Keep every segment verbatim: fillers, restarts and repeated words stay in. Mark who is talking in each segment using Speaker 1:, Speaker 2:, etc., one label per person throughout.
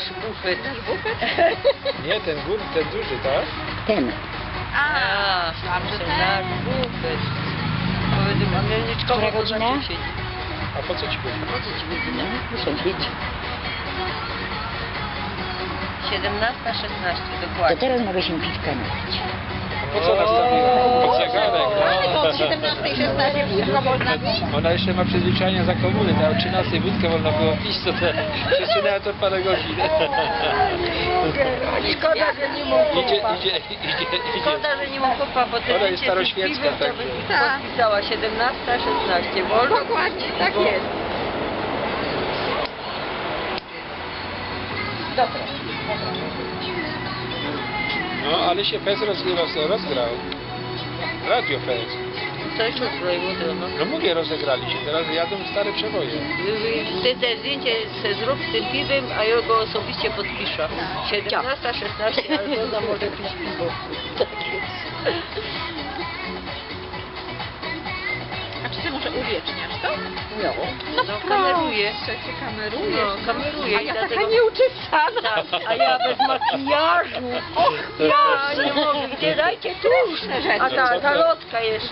Speaker 1: nasz bufet.
Speaker 2: Nasz bufet?
Speaker 3: Nie, ten gór, ten duży, tak?
Speaker 4: Ten.
Speaker 2: A, myślałam, że
Speaker 1: nasz
Speaker 2: ten.
Speaker 1: bufet. Powiedz, a Mielniczkowo
Speaker 4: Która
Speaker 1: to
Speaker 4: godzina?
Speaker 1: znaczy siedzi.
Speaker 3: A po co ci go?
Speaker 1: Po co ci godzina?
Speaker 4: Muszę pić.
Speaker 1: siedemnasta szesnaście,
Speaker 4: To
Speaker 1: dokładnie.
Speaker 4: teraz mogę się piwka napić.
Speaker 3: Po co nastawiła? Pod zegarek,
Speaker 2: Ale to
Speaker 3: no.
Speaker 2: od siedemnastej szesnaście piwko można pić.
Speaker 3: Ona jeszcze ma przyzwyczajenia za komuny, to o trzynastej wódkę wolno było pić, to te przesunęła to parę godzin.
Speaker 1: Szkoda, że nie mógł
Speaker 3: Idzie,
Speaker 1: kupa.
Speaker 3: idzie, idzie, idzie.
Speaker 1: Szkoda, że nie mógł kupa, bo te
Speaker 3: Ona jest
Speaker 1: zdjęcie z
Speaker 3: staroświecka,
Speaker 1: piwem to
Speaker 3: także.
Speaker 1: by
Speaker 2: Tak.
Speaker 1: podpisała siedemnasta szesnaście. Wolno?
Speaker 2: Dokładnie, tak
Speaker 1: Bo-
Speaker 2: jest. Dobra.
Speaker 3: No, ale się Fez roz, roz, rozgrał. Radio Fez.
Speaker 1: To jeszcze zbrojło no.
Speaker 3: No mówię, rozegrali się, teraz jadą stare przeboje.
Speaker 1: Ty te zdjęcie se zrób z tym piwem, a ja go osobiście podpiszę. siedemnasta szesnaście, ale to może pić piwo. Tak jest.
Speaker 2: A czy ty może uwieczniasz to?
Speaker 1: No, no kameruję.
Speaker 2: Proszę, cię kamerujesz.
Speaker 1: No, kameruję
Speaker 2: A
Speaker 1: i
Speaker 2: ja
Speaker 1: dlatego...
Speaker 2: taka nieuczesana.
Speaker 1: Tak, a ja bez makijażu. Och, ja nie mogę. Gdzie dajcie tuż. A ta zalotka jeszcze.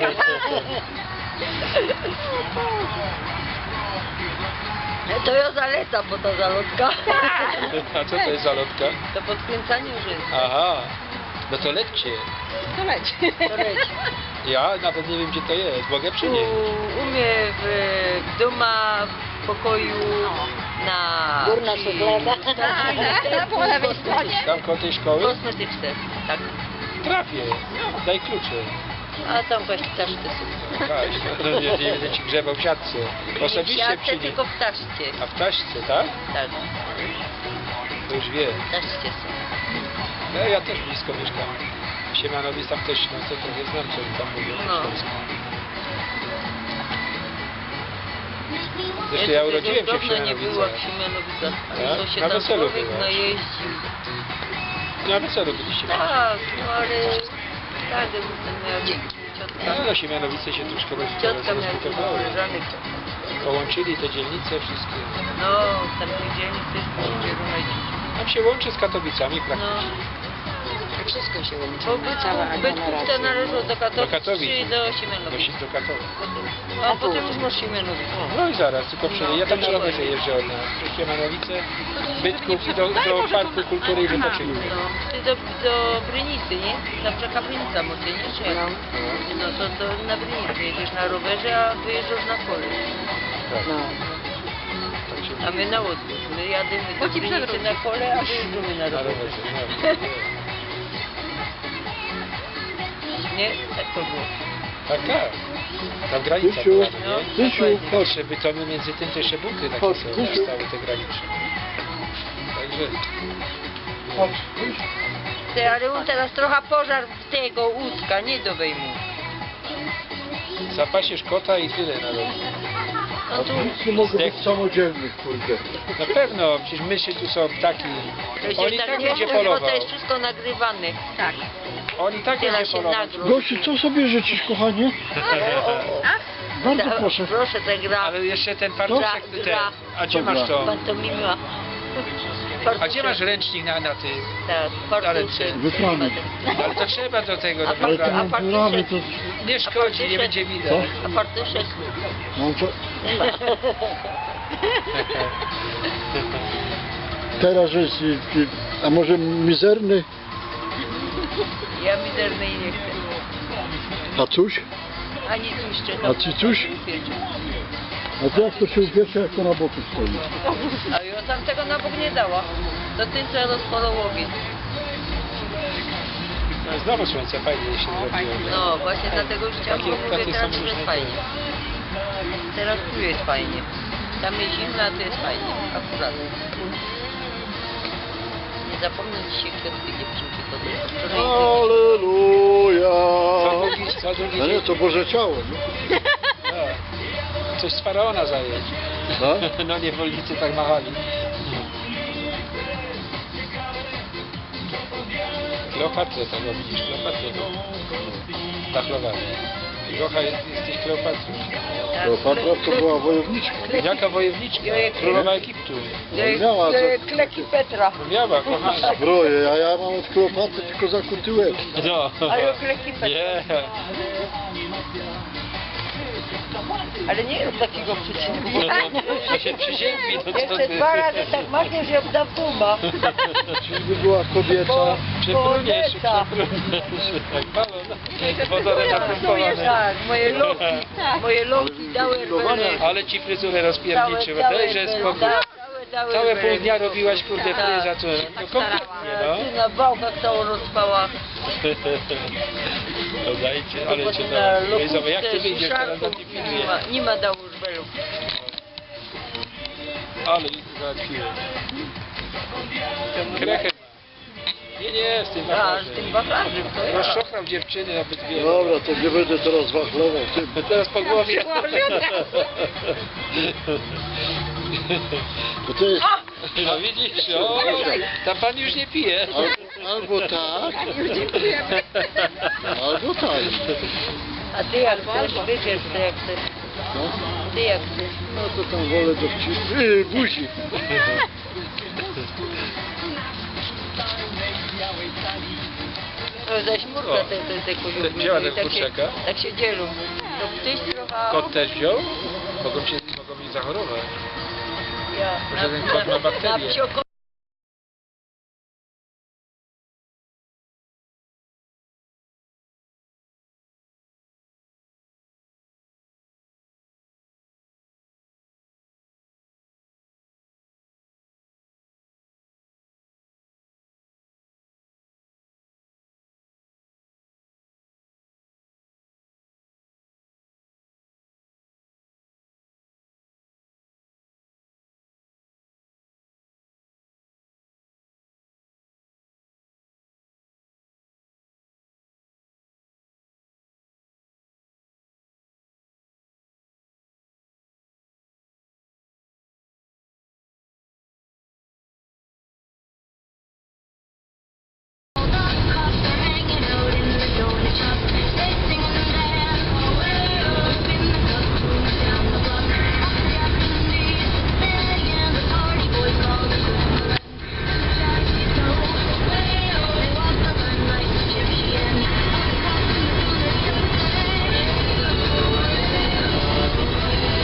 Speaker 1: To ja zalecam, bo ta zalotka.
Speaker 3: A co to jest za lotka?
Speaker 1: To podkręcanie rzęs.
Speaker 3: Aha, no to lećcie.
Speaker 2: To leć.
Speaker 1: To leci.
Speaker 3: Ja nawet nie wiem, gdzie to jest, mogę przynieść.
Speaker 1: U, u mnie w, w doma, w pokoju na...
Speaker 4: Górna szuflada.
Speaker 2: Tak, po lewej stronie.
Speaker 3: Tam koło tej szkoły?
Speaker 1: Kosmetyczne, tak.
Speaker 3: Trafię, daj klucze.
Speaker 1: A tam właśnie też te są.
Speaker 3: Kaś, no nie, nie będę ci grzebał w siatce.
Speaker 1: Nie w
Speaker 3: Osobiście
Speaker 1: siatce,
Speaker 3: przynieść.
Speaker 1: tylko w taszcie.
Speaker 3: A w taśce, tak?
Speaker 1: Tak,
Speaker 3: To już wiem.
Speaker 1: w taszcie są.
Speaker 3: No ja też blisko mieszkam. Siemianowic tam też, no to trochę znam, co oni tam mówią.
Speaker 1: No.
Speaker 3: Zresztą ja urodziłem się w
Speaker 1: dawno nie była w
Speaker 3: Siemianowicach.
Speaker 1: Siemianowicach.
Speaker 3: Tak?
Speaker 1: Ale to się
Speaker 3: Na
Speaker 1: tam
Speaker 3: weselu
Speaker 1: człowiek
Speaker 3: byłaś.
Speaker 1: najeździł.
Speaker 3: Na weselu byliście.
Speaker 1: Tak, no ale... Tak, ten miał ciotka.
Speaker 3: No, no Siemianowice się troszkę roz-
Speaker 1: Ciotka miała
Speaker 3: rozbudowały.
Speaker 1: koleżanek.
Speaker 3: Połączyli te dzielnice wszystkie.
Speaker 1: No, tam tej dzielnicy jest podzielone.
Speaker 3: Tam się łączy z Katowicami
Speaker 1: No.
Speaker 3: praktycznie.
Speaker 4: Wszystko się łączy.
Speaker 1: Bo
Speaker 4: Cała
Speaker 1: Bytków, Bytków to
Speaker 4: aglomeracja.
Speaker 1: należą do Katowic,
Speaker 3: Do Katowic.
Speaker 1: czy do
Speaker 3: Do,
Speaker 1: Siemianowic.
Speaker 3: Si- do Katowic.
Speaker 1: A potem już masz Siemianowic.
Speaker 3: No i zaraz, tylko przejdę. Ja tam na rowerze jeżdżę od nas. Przez Siemianowice, Bytków i do, do Parku Kultury i Wypoczynku.
Speaker 1: No, ty do, do Brynicy, nie? Tam taka Brynica może, nie? Czy jak?
Speaker 4: No.
Speaker 1: No to, to na Brynicy jedziesz na rowerze, a wyjeżdżasz na kole.
Speaker 3: Tak,
Speaker 4: No.
Speaker 3: tak się
Speaker 1: A my na odwrót. My jadymy
Speaker 2: Bo
Speaker 1: do
Speaker 2: ci
Speaker 1: Brynicy
Speaker 2: przewróci.
Speaker 1: na kole, a wyjeżdżamy na
Speaker 3: na
Speaker 1: rowerze.
Speaker 3: rowerze. No.
Speaker 1: Nie? Tak to było.
Speaker 3: Tak, tak. Tam granica
Speaker 5: Tysiu,
Speaker 3: była,
Speaker 1: No,
Speaker 3: nie?
Speaker 5: Tysiu,
Speaker 1: dokładnie.
Speaker 5: chodź.
Speaker 3: Jeszcze bytomy między tym te jeszcze bunkry takie
Speaker 5: Chodź,
Speaker 3: są,
Speaker 5: Tysiu.
Speaker 3: stały te graniczne. Także
Speaker 5: Chodź, idź.
Speaker 1: Ty, ale on teraz trochę pożar tego łódka, nie do wejmu.
Speaker 3: zapasiesz kota i tyle na rogu.
Speaker 1: No tu
Speaker 5: Nic nie mogę być samodzielnych, kurde.
Speaker 3: Na pewno, przecież myszy tu są ptaki.
Speaker 1: to
Speaker 3: On
Speaker 1: się
Speaker 3: i
Speaker 1: tak
Speaker 3: tak
Speaker 1: nie
Speaker 3: będzie
Speaker 1: mówi, bo
Speaker 3: polował.
Speaker 1: to jest wszystko nagrywane.
Speaker 2: Tak.
Speaker 3: On i tak
Speaker 1: Tyle
Speaker 3: będzie
Speaker 1: się
Speaker 3: polował.
Speaker 1: nagród.
Speaker 5: Gosiu, co sobie życzysz, kochanie? Bardzo
Speaker 1: Da-
Speaker 5: proszę.
Speaker 1: Proszę, ta gra.
Speaker 3: Ale jeszcze ten fartuszek,
Speaker 1: Gra,
Speaker 3: te,
Speaker 1: gra.
Speaker 3: a gdzie
Speaker 5: Dobra.
Speaker 3: masz to?
Speaker 1: Pantomima.
Speaker 3: A gdzie masz ręcznik na, na tym?
Speaker 1: Tak,
Speaker 3: Ale
Speaker 1: fartuszek.
Speaker 5: Wyprany.
Speaker 3: Ale to trzeba do tego,
Speaker 1: A
Speaker 3: do
Speaker 5: Ale to
Speaker 3: wybrania.
Speaker 1: A
Speaker 5: między nami to...
Speaker 3: Nie szkodzi, nie będzie widać.
Speaker 5: Co?
Speaker 1: A fartuszek?
Speaker 5: Mam to... Teraz jest... y, y, A może mizerny?
Speaker 1: Ja mizernej nie chcę.
Speaker 5: A coś?
Speaker 1: Ani tłuszcze.
Speaker 5: A ci coś? A to jak to się upiecze, jak to na boku stoi?
Speaker 1: A ja tam tego na bok nie dała. Do tyńca rozporą ogień.
Speaker 3: No, znowu słońce fajnie się zrobiło.
Speaker 1: No, właśnie dlatego już chciałam,
Speaker 3: Takie-
Speaker 1: bo mówię
Speaker 3: takie
Speaker 1: teraz,
Speaker 3: są
Speaker 1: że jest
Speaker 3: różne
Speaker 1: fajnie. Teraz tu jest fajnie. Tam jest zimno, a tu jest fajnie. Akurat. Nie zapomnę dzisiaj kwiatki dziewczynki podać. Wczoraj
Speaker 5: Aleluja!
Speaker 3: Co drugi, co drugi
Speaker 5: No nie,
Speaker 3: dzień?
Speaker 5: to Boże ciało. nie?
Speaker 3: No. Coś z faraona zająć.
Speaker 5: No?
Speaker 3: No niewolnicy tak machali. Kleopatrę tego widzisz, Kleopatrę. Dachlowali. Gocha, jesteś Kleopatrą.
Speaker 5: Kleopatra to była wojowniczka.
Speaker 3: Jaka wojowniczka? Królowa Egiptu.
Speaker 1: Jak
Speaker 5: miała
Speaker 1: e,
Speaker 5: za-
Speaker 1: kleki Petra.
Speaker 3: No miała, kochana.
Speaker 5: Zbroję, a ja mam od Kleopatry tylko zakuty łeb.
Speaker 3: No.
Speaker 1: A ja kleki Petra.
Speaker 3: Nie.
Speaker 1: Ale nie rób takiego przyczynu.
Speaker 3: To się przyziębi, no co
Speaker 1: Jeszcze
Speaker 3: ty?
Speaker 1: dwa razy tak machniesz, jak da puma.
Speaker 5: Czyżby była kobieta?
Speaker 3: Przepruniesz,
Speaker 1: Kobieta.
Speaker 3: przepruniesz. Jak balon. Wodorem napompowane.
Speaker 1: Tak, moje loki, moje loki dały rwele.
Speaker 3: Ale ci fryzurę rozpierniczyła, dajże spokój.
Speaker 1: Całe, dały
Speaker 3: Całe
Speaker 1: rwele.
Speaker 3: pół dnia robiłaś kurde
Speaker 1: Tak.
Speaker 3: fryza, co? No kompletnie, no.
Speaker 1: Ty na bałkach całą rozpała.
Speaker 3: No dajcie, ale cię
Speaker 1: Na
Speaker 3: to...
Speaker 1: lotówce,
Speaker 3: Zobacz, jak ty wyjdziesz teraz na
Speaker 1: szarków,
Speaker 3: tym
Speaker 1: nie
Speaker 3: filmie.
Speaker 1: ma, nie ma dało rwelów.
Speaker 3: Ale ich załatwiłem. Krechę. Nie, nie, z tym
Speaker 1: A, z
Speaker 3: wachlarzem.
Speaker 1: tym wachlarzem to ja.
Speaker 3: Rozczochrał dziewczyny nawet wiele.
Speaker 5: Dobra, to nie będę teraz wachlował tym.
Speaker 3: Teraz po głowie.
Speaker 5: Bo to jest
Speaker 3: No widzisz, o, ta pan już nie pije.
Speaker 5: al, albo tak, albo tak.
Speaker 1: A ty jak chcesz, wybierz ty jak chcesz.
Speaker 5: No,
Speaker 1: Ty jak chcesz.
Speaker 5: no to tam wolę do wcisku. Yy, buzi.
Speaker 1: To zaś murka
Speaker 3: O,
Speaker 1: te, te, te kuziuły.
Speaker 3: wzięła ten
Speaker 1: tak się,
Speaker 3: kurczaka?
Speaker 1: tak się dzielą. To ptyś trochę...
Speaker 3: Kot też wziął? Mogą się mogą mi zachorować.
Speaker 1: Ja,
Speaker 3: Może ten kot ma bakterie.
Speaker 1: Na psioko...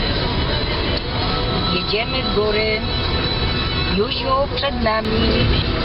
Speaker 6: Jedziemy w góry, Józiu przed nami.